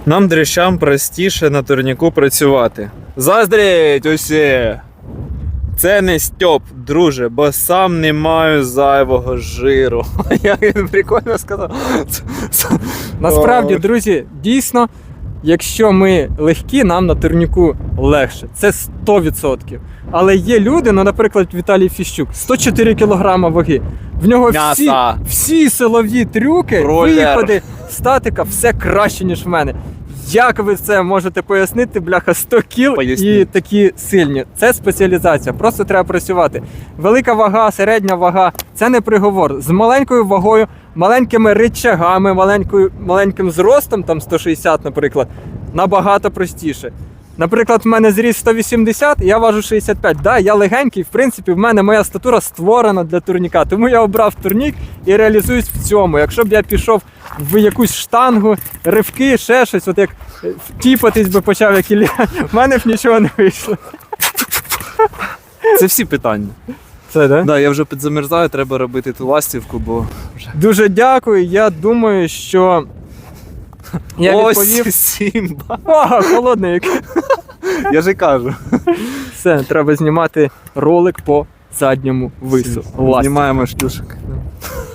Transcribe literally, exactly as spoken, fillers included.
Нам, дрищам, простіше на турніку працювати. Заздріть усі! Це не Стьоп, друже, бо сам не маю зайвого жиру. Як він прикольно сказав. Насправді, друзі, дійсно, якщо ми легкі, нам на турніку легше. Це сто відсотків. Але є люди, ну, наприклад, Віталій Фіщук, сто чотири кілограма ваги. В нього всі, М'яса. всі силові трюки, Ролер. виходи, статика, все краще, ніж в мене. Як ви це можете пояснити, бляха, сто кіл і Поясніть. такі сильні? Це спеціалізація, просто треба працювати. Велика вага, середня вага – це не приговор. З маленькою вагою, маленькими ричагами, маленькою, маленьким зростом, там сто шістдесят, наприклад, набагато простіше. Наприклад, в мене зріст сто вісімдесят, я важу шістдесят п'ять. Да, я легенький, в принципі, в мене моя статура створена для турніка, тому я обрав турнік і реалізуюсь в цьому. Якщо б я пішов в якусь штангу, ривки, ще щось, от як тіпатись би почав, як Ілля, в мене б нічого не вийшло. Це всі питання. Це, да? Да, я вже підзамерзаю, треба робити ту ластівку, бо вже... Дуже дякую, я думаю, що я відповів. Ось Сімба. О, холодний який. Я же кажу. Все, треба знімати ролик по задньому вису. Ластівка. Знімаємо шлюшок.